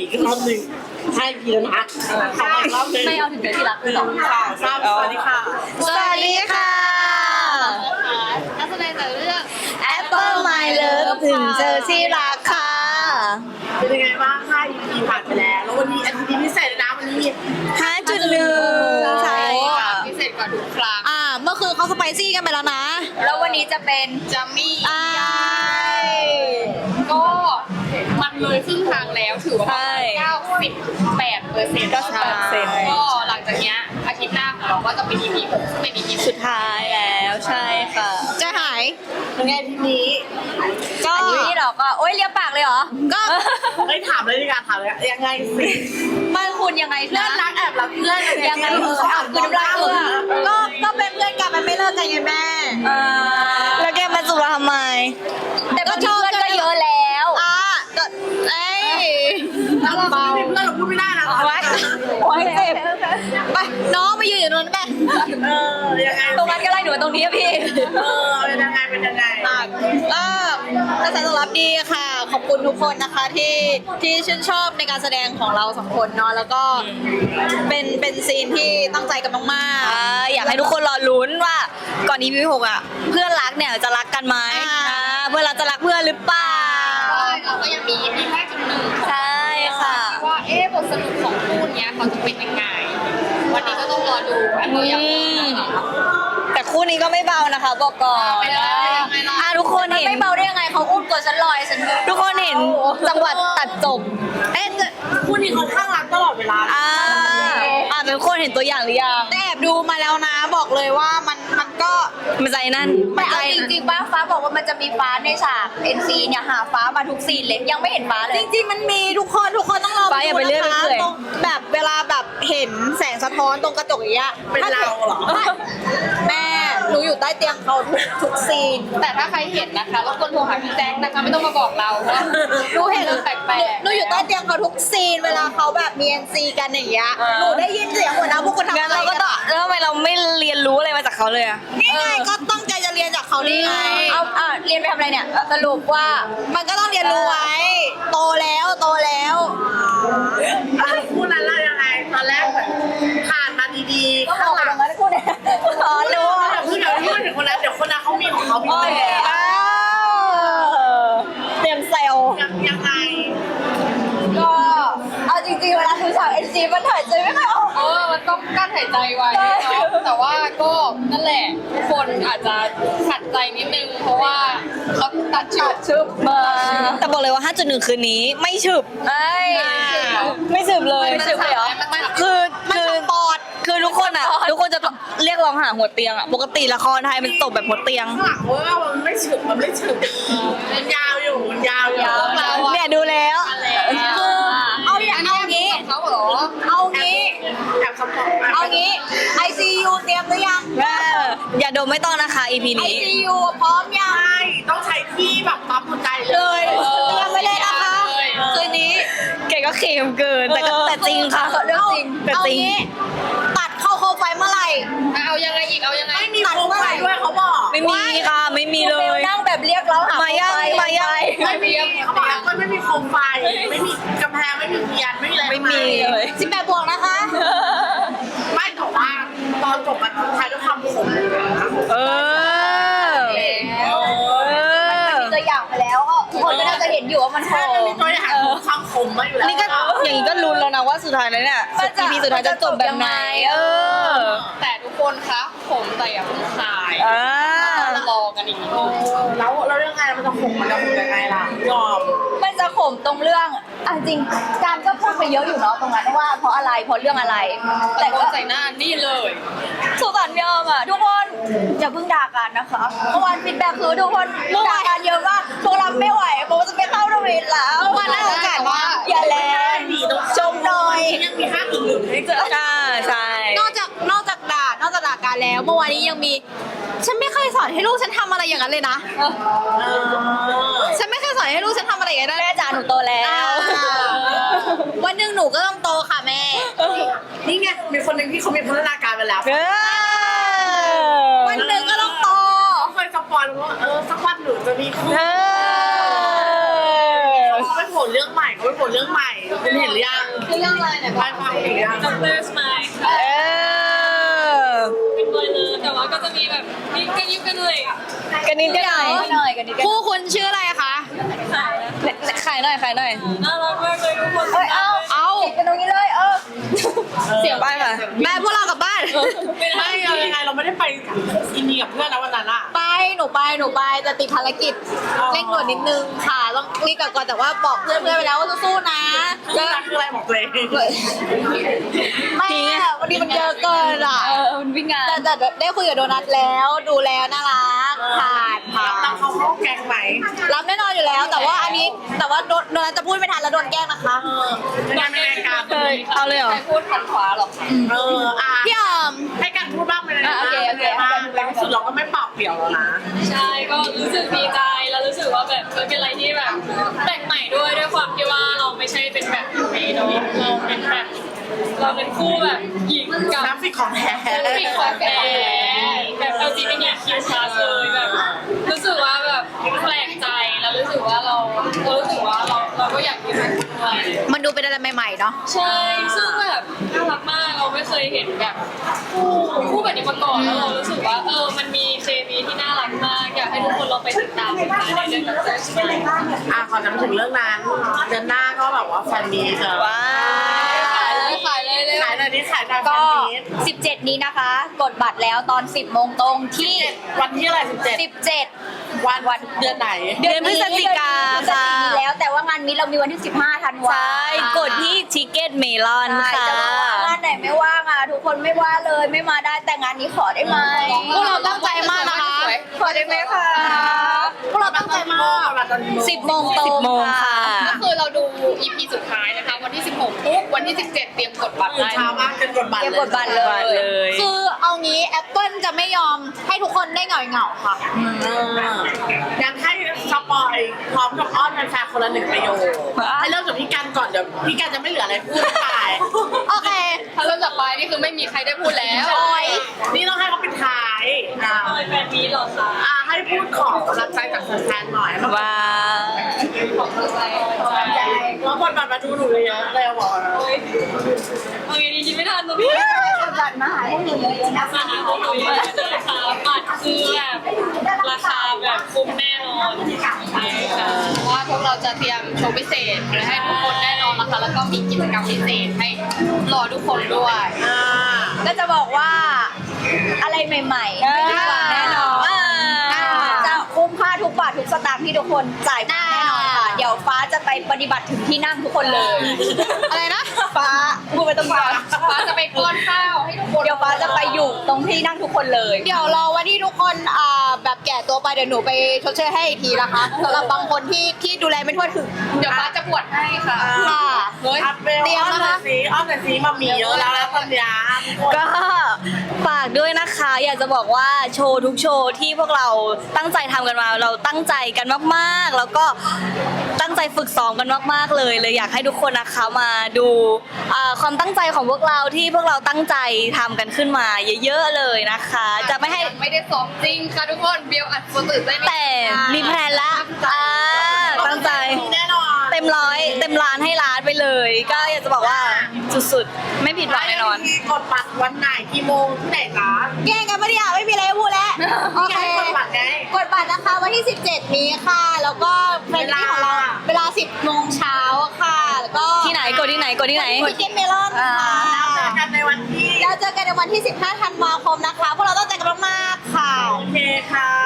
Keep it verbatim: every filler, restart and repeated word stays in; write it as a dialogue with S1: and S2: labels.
S1: อีกรอบหนึ่งให้พี่แล้วนะขออีกรอบหนึ่ง
S2: ไม่เอาถึงเป็นที่รักเลย
S1: สองสามสวัสดีค่ะ
S3: สวัสดีค่ะ
S2: นักแสดงจากเรื่อง
S3: Apple My Love ถึงเจอที่รักค่ะ
S1: เป็นยังไงบ้างค่ะ อี พี ผ่านไปแล้วแล้ววันนี้อาทิตย์นี้พิเศษเลยนะวันนี้มี
S3: ห้าจุดหนึ่ง ใช่ค่ะ
S2: พิเศษกว่าทุกครั้ง
S3: อ่า เมื่อคืนเขาสไปซี่กันไปแล้วนะ
S2: แล้ววันนี้จะเป็นจัมมี่
S3: อ่า
S2: ก็มันเลยครึ่งทางแล้วถือว่า
S3: ใช่
S2: เก้าสิบแปดเปอร์เซ็นต์
S3: เก้าสิบแปดเปอร์เซ็นต์
S2: ก็หลังจากเนี้ยอาทิตย์หน้าของเราก็จะเป็น อี พี หกซึ่งเป็น อี พี
S3: สุดท้ายแล้วใช่ค่ะ จะหาย
S1: เป็นไงทีนี้
S3: ก็
S2: อันนี้เราก็โอ๊ยเลียปากเลยเหรอ
S3: ก็
S1: เฮ้ยถามเลยดีกว่าถามเลยยังไงสิ
S2: มันคุณยังไง
S1: เพื่อนรักแอบรักเพื่อน
S2: ยังไงเอออ่ะคือน้ำลายเออ
S3: ก็ ก็เป็นเพื่อนกันมันไม่เลิกกันไงแม่
S2: เออ
S3: แล้วแกมาสู่เราทำไม
S2: แต่ก็ชอบกันก็เยอะแล้ว
S3: อ่ะก็เอ้ย
S1: เราไม่มีเพื่อนเราพูดไม่ได้นะ
S3: ไว้ไว้เจ็บไปน้องมายืนอยู่ตรงนั้นแม่
S1: เออยังไง
S2: ตรงนั้นก็ไล่หนูตรงนี้อะพี่
S1: เออเป็นยังไงเป็นยังไง
S3: ก็กระแสตอบรับดีค่ะ ขอบคุณทุกคนนะคะที่ที่ชื่นชอบในการแสดงของเราสองคนเนาะแล้วก็เป็นเป็นซีนที่ตั้งใจกันมากๆอยากให้ทุกคนรอลุ้นว่าก่อน อี พี หกอ่ะเพื่อนรักเนี่ยจะรักกันไหมเพื่อนรักจะรักเพื่อนหรือเปล่า
S2: เราก็ยังมี อี พี ห้าจุดหนึ่ง
S3: ใช่ค่ะ
S2: ว่าเอ๊ะบทสรุปของคู่เนี้ยเขาจะเป็นยังไง วันนี้ก็ต้องรอดูอันนี้ยังไม่นะคะ
S3: แต่คู่นี้ก็ไม่เบานะคะบอกก่อน
S2: ไม่ได้ยังไงล่ะ
S3: อ่ะทุกคนเห็น
S2: ไม่เบาได้ยังไงเขาอุ้มกว่าฉันลอยฉัน
S3: ทุกคนเห็นจังหวัดตัดจบเอ๊ะ
S1: คู่นี้เขาข้างรักตลอดเวลา
S3: อ่าอ่าเป็นคนเห็นตัวอย่างหรือยังแต่แอบดูมาแล้วนะบอกเลยว่ามันมันก็มันใจนั่น
S2: แต่เอาจริงๆป้าฟ้าบอกว่ามันจะมีฟ้าในฉาก เอ็น ซี เนี่ยหาฟ้ามาทุกซีนเลยยังไม่เห็นฟ้าเลย
S3: จริงๆมันมีทุกคนทุกคนต้องรอ
S2: ฟ้าอย่าไปเรื่อย
S3: ดูนะคะ
S2: ไปเรื่อย
S3: ตรงแบบเวลาแบบเห็นแสงสะท้อนตรงกระจกอย่างเงี้ย
S1: เป็นเราเหรอ
S3: แม่หนูอยู่ใต้เตียงเขาทุกทุกซีน
S2: แต่ถ้าใครเห็นนะคะรบกวนโทรหาพี่แจ๊คนะคะไม่ต้องมาบอกเราว่า
S3: หนูเห็น
S2: เรื่องแปลกๆ
S3: หนูอยู่ใต้เตียงเขาทุกซีนเวลาเขาแบบมี เอ็น ซี กันอย่างเงี้ยหนูได้ยินเสียงหัวหน้าพวกคุณทำอะไรกันอะ
S4: แล้วทำไมเราไม่เรียนรู้อะไรมาจากเขาเลยอะ
S3: นี่ไงก็ตั้งใจจะเรียนจากเขานี่ไง
S2: เอาอ่ะเรียนไปทำอะไรเนี่ยสรุปว่า
S3: มันก็ต้องเรียนรู้ไว้ โตแล้วโตแล้ว
S1: คู่นั้นเรายังไงตอนแรกเหมือนผ่านมาดีๆ
S2: ก็
S1: ข้าง
S2: บ
S1: ห
S2: อก
S1: ลัง
S2: ตรงนั้นพูดเนี่ยอ๋อรู้
S1: เดี๋ยวพูดเดี๋ยวพูดถึงคนนั้นเดี๋ยวคนนั้นเขามีของเขาพิเศษ
S3: อ้าวเตรียมเซล
S1: ยังยังไง
S2: ก็เอาจริงๆเวลาดูฉาก เอ็น ซี มันถ่ายใจไม่ค่อยออกเออมันต้องกั้นหายใจไว้เนาะแต่ว่าก็นั่นแหละทุกคนอาจจะขัดใจนิดนึง เพราะว่าเขาตัดฉากชึบมา
S4: แต่บอกเลยว่า ห้าจุดหนึ่ง คืนนี้ไม่ฉึบ
S2: ไอ้
S4: ไม่ฉึบเลย
S2: ไม่ฉึบเลยเหรอ
S4: คือคือปอดคือทุกคนอะทุกคนจะเรียกร้องหาหัวเตียงอะปกติละครไทยมันจบแบบหัวเตียง
S1: ข้างหลังเว่ามันไม่ฉึกมันไม่ฉึกมันยาวอยู่มันยาวอยู่
S4: เนี่ยดูแล้ว
S3: คือเอาอย่างเอางี้
S2: เขาเหรอ
S3: เอางี้
S1: แอบสปอร์ต
S3: เอางี้ ไอ ซี ยู เตรียมหรือยัง
S4: แม่อย่าดมไม่ต้องนะคะ อี พี
S3: ไอ
S4: นี้
S3: ซี ยู พร้อมยัง
S1: ใช่ต้องใช้ที่แบบปั๊มหัวใจเล
S3: เลย ยเตรียมไปเลยนะคะคืนนี้
S4: เก๋ก็เค็มเกินแต่ก็แต่จริงค่ะ
S3: เรื่องจริง
S4: แต่
S3: เอา
S4: จริง
S3: งี้ตัดเข้าโคมไฟเมื่อไหร่
S2: เอายังไงอีกเอายังไง
S1: ไม่มีโคมไฟด้วยเขาบอก
S4: ไม่มีค่ะไม่มีเลย
S2: นั่งแบบเรียกเราหา
S4: มายังมายัง
S1: ไม่มีเขาบอกว่าไม่มีโคมไฟไม่มีกำแพงไม่มีเทียนไม่มีอะไร
S4: ไม่มีเลย
S3: สิบแปดบวกนะคะ
S1: ไม่แต่ว่าตอนจบมันท้ายด้วยความขมเลยนะ
S4: เออ
S2: แล้ว
S4: เออ
S2: มีตัวอย่างไปแล้วก็ทุกคนก็น่าจะเห็นอยู่ว่ามันโห
S1: ถ้ามันมีตัวอย่างของความขมมาอยู่แล้ว
S4: นี่ก็อย่างนี้ก็ลุ้นแล้วนะว่าสุดท้ายแล้วเนี่ย อี พี สุดท้ายจะจบแบบไหนเออ
S2: แต่ทุกคนคะผมแต่อย่าเพิ่งขาย
S4: อ่าร
S2: อกันอีกนิดนึง
S1: แล้วแล้วยังไงมันจะขมมันจะขมยังไงล่ะยอม
S2: มันจะขมตรงเรื่องอ่ะจริงการก็พูดไปเยอะอยู่เนาะตรงนั้นว่าเพราะอะไรเพราะเรื่องอะไร แต่ก็ใส่หน้านี่เลยสุสานยอมอ่ะทุกคนอย่าเพิ่งด่ากันนะคะเมื่อวานฟีดแบ็กคือทุกคนด่ากันเยอะมากพวกเราไม่ไหวโบจะไปเข้าโรงเรียนแล้ว
S3: วันนั้นโอกาสว่า
S2: อย่าแรง
S3: ชมหน่อย
S1: ยังมีห้าอีกหนึ่งให้เจอ
S4: อ่าใช่
S3: นอกจากนอกจากด่านอกจากด่ากันแล้ว เมื่อวานนี้ยังมี ฉันไม่เคยสอนให้ลูกฉันทำอะไรอย่างนั้นเลยนะ ฉันไม่เคยสอนให้ลูกฉันทำอะไรอย่างนั้น
S2: แม่จ๋าหนูโตแล้ว
S3: อ่าวันหนึ่งหนูก็ต้องโตค่ะแม่
S1: นี่ไงมีคนหนึ่งที่เขามีพัฒนาการไปแล้ว
S4: เออ
S3: วันหนึ่งก็ต้องโต
S1: เขาเคยสปอยล์ว่าเออสักวันหนูจะมีคู่
S4: เออ
S1: เขาไม่โพผลเรื่องใหม่เขาไปผลเรื่องใหม่คุณเห็นหรือยัง
S3: คือเรื่องอะไรเนี่ย
S1: ไปฟังหรือยัง
S5: ด็อกเตอร์สไมล์
S4: เออ
S5: เป็นบอยเลยแต่ว่าก็จะมีแบบมีกันยุกันเลย
S4: กันนิดกันหน่อย
S2: หน่อยกันนิดกัน
S3: คู่คุณชื่ออะไรคะ
S5: ขายนะ
S4: ขายหน่อยขายหน่อย
S5: น่ารักมากเลยทุกคน
S2: เอ้ยเอา
S3: เอา
S2: ติดกันตรงนี้เลยเออ
S4: เสียงไปค่ะ
S3: แม่พวกเรากลับบ้าน
S1: ไม่เอายังไงเราไม่ได้ไปอินเดียกับเพื่อนนะวันนั้นอะ
S3: ไปหนูไปหนูไปแต่ติดภารกิจ
S1: อ๋อ
S3: เร่งด่วนนิดนึงค่ะต้องรีบกลับก่อนแต่ว่าบอกเพื่อนเพื่อนๆไปแล้วว่าสู้ๆนะ
S1: คืออะไรคืออะไรบอกเลย
S3: แม่วันนี้มันเยอะเกินอ่ะ
S2: เออมันวิ่งงาน
S3: แต่แต่ได้คุยกับโดนัทแล้วดูแล้วน่ารักผ่านผ่าน
S1: รับเขาเข้าแกงไหม
S3: รับแน่นอนอยู่แล้ว แต่ว่าอันนี้แต่ว่าโดนโดนัทจะพูดไม่ทันแล้วโดนแกล้งนะคะ
S1: เออเป็นไงเป็นไงการ
S4: เคยเอาเลยเหรอ
S2: ใครพูดขันขวาหรอ
S1: เอออ่ะ
S3: พี่ออม
S1: ให้การพูดบ้างไปเลย
S2: อ่ะ
S1: นะ
S2: โอเคโอเค
S1: บ้างแล้วสุดเราก็ไม่เปล่าเปลี่ยวแล้วนะ
S5: ใช่ก็รู้สึกดีใจแล้วรู้สึกว่าแบบเออเป็นอะไรที่แบบแปลกใหม่ด้วยด้วยความที่ว่าเราไม่ใช่เป็นแบบนี้เนาะเราเป็นแบบเราเป็นคู่แบบหญิงกับ
S1: น้ำฟิกของแท้
S5: ปิดความแก่แบบ แอล จี บี ที คิว plus เลยแบบรู้สึกว่าแบบแปลกใจแล้วรู้สึกว่าเราเรารู้สึกว่าเราเราก็อยากมีเป็นด้วย
S3: มันดูเป็นอะไรใหม่ๆเนาะ
S5: ใช่ซึ่งแบบน่ารักมากเราไม่เคยเห็นแบบคู่คู่แบบนี้มาก่อนแล้วเรารู้สึกว่าเออมันมีเคมีที่น่ารักมากอยากให้ทุกคนลองไปติดตามกันในเรื่องแบบเจอสไมล์
S1: อ่ะขอจำถึงเรื่องนั้นเดือนหน้าก็แบบว่าแฟนมีเจอ
S4: ว้า
S5: ขายเลยขายเลยเลย
S1: ขายหน่อยดิขายหน่อยแฟ
S2: ก็
S1: นมี
S2: สิบเจ็ดนี้นะคะ กดบัตรแล้วตอนสิบโมงตรงที่
S1: วันที่อะไรสิบเจ็ด
S2: สิบเจ็ด
S1: วันวันเดือนไหน
S4: เดือนพฤศจิกา
S2: เดือนพฤศจิ
S4: ค่ะ
S2: กาแล้วแต่ว่างานนี้เรามีวันที่สิบห้าธันวา
S4: ใช่กดที่ทิเก็ตเมลอน
S2: ใช่
S4: ค่ะ
S2: จะบอกว่างานไหนไม่ว่างอ่ะทุกคนไม่ว่าเลยไม่มาได้แต่งานนี้ขอได้ไหม
S3: พวกเราตั้งใจมากนะคะ
S2: ขอได้ไหมคะ
S3: พวกเราตั้งใจมาก
S2: สิบโมงตรง
S4: สิบโมงค่ะ
S5: ก็คือเราดู อี พี สุดท้ายนะคะ วันที่สิบหกปุ๊บวันที่สิบเจ็ดเตรียมกดบัตร
S1: ตื่น
S5: ได้
S1: เช้ามากจนกดบัตร
S2: เก็บ
S1: เลย
S2: กดบัตรเลย
S4: บัตรเลย
S3: คือเอางี้แอปเปิลจะไม่ยอมให้ทุกคนได้เหงาเหงาๆค่ะ
S1: เออยังให้สปอยพร้อมกับอ้อนแฟนๆคนละหนึ่งประโยคให้เริ่มจากพี่กันก่อนเดี๋ยวพี่กันจะไม่เหลืออะไรพูดไป
S3: โอเค
S5: ถ้าเริ่มจากปลายนี่คือไม่มีใครได้พูดแล้ว
S3: โอ้ย
S1: นี่ต้องให้เขาเป็นท้ายอ่ะ
S5: เลยแฟนมีหรอคะ
S1: อ่ะให้พูดของกำลังใจจากแฟนๆหน่อยแล้ว
S4: ว้า
S5: ของกำลังใจ
S1: แล้วกดบัตรมาดูหนูเยอะเลยบอกนะ
S5: เอาไงดีคิดไม่ทันตรงนี้
S2: กดบัตรมาหาพวกหนูเยอะๆนะ
S5: มาหาพวกหนูเยอะเลยค่ะบัตรคือแบบราคาแบบคุ้มแน่นอนใช่ค่ะเพราะว่าพวกเราจะเตรียมโชว์พิเศษไว้ให้ทุกคนแน่นอนนะคะ แล้วก็มีกิจกรรมพิเศษให้รอทุกคนด้วย
S1: อ่า
S2: ก็จะบอกว่าอะไรใหม่ๆไม่ผิดหวังแน่นอน
S4: อ่า
S2: จะคุ้มค่าทุกบาททุกสตางค์ที่ทุกคนจ่ายไปแน่นอนค่ะ เดี๋ยวฟ้าจะไปปฏิบัติถึงที่นั่งทุกคนเลย
S3: อะไรนะ
S2: ฟ้าพูดไปตรงฟ้า
S5: ฟ้าจะไปป้อนข้าวให้ทุกคน
S2: เดี๋ยวฟ้าจะไปอยู่ตรงที่นั่งทุกคนเลย
S3: เดี๋ยวรอวันที่ทุกคนอ่าแบบแก่ตัวไปเดี๋ยวหนูไปชดเชยให้อีกทีนะคะสำหรับบางคนที่ที่ดูแลไม่ทั่วถึง
S5: เดี๋ยวฟ้าจะบวชให้ค่ะ
S3: ค่ะ
S5: เฮ้ย
S1: อัพเวล
S3: เตรียม
S1: อ้อน
S3: นะ
S1: หน่
S3: คะ
S1: อยสิอ้อนหน่อยสิมามีเยอะแล้วนะตอนเนี้ย
S4: ก็ฝากด้วยนะคะ อยากจะบอกว่าโชว์ทุกโชว์ที่พวกเราตั้งใจทำกันมาเราตั้งใจกันมากๆ แล้วก็ตั้งใจฝึกซ้อมกันมากๆเลยเลยอยากให้ทุกคนนะคะมาดูอ่าความตั้งใจของพวกเราที่พวกเราตั้งใจทำกันขึ้นมาเยอะๆเลยนะคะ จะไม่ให้
S5: ไม่ได้ซ้อมจริงค่ะทุกคนเบลอัดคนตื่นได้ไหม
S4: แต่มีแพลนละอ่าตั้งใจ
S1: แน่นอน
S4: เต็มร้อยเต็มล้านให้ล้านไปเลย ก็อยากจะบอกว่าสุดๆ ไม่ผิดหวังแน่นอน
S1: ที่กดบัตรวันไหนกี่โมงที่ไหนคะ
S3: แกล้งกันปะเนี่ยไม่มีอะไรให้พูดแล้ว โอเค
S1: กดบัตรไง
S3: กดบัตรนะคะวันที่ สิบเจ็ด นี้ค่ะ แล้วก็แฟนมีของเราเวลา สิบโมงเช้าค่ะ แล้วก็
S4: ที่ไหนกดที่ไหนกดที่ไหน
S3: ที่เกมเมลอนค่ะ
S1: เจอกันในวันที่
S3: แล้วเจอกันในวันที่ สิบห้า ธันวาคมนะคะ พวกเราต้องใจกันมากๆค่ะ
S1: โอเคค่ะ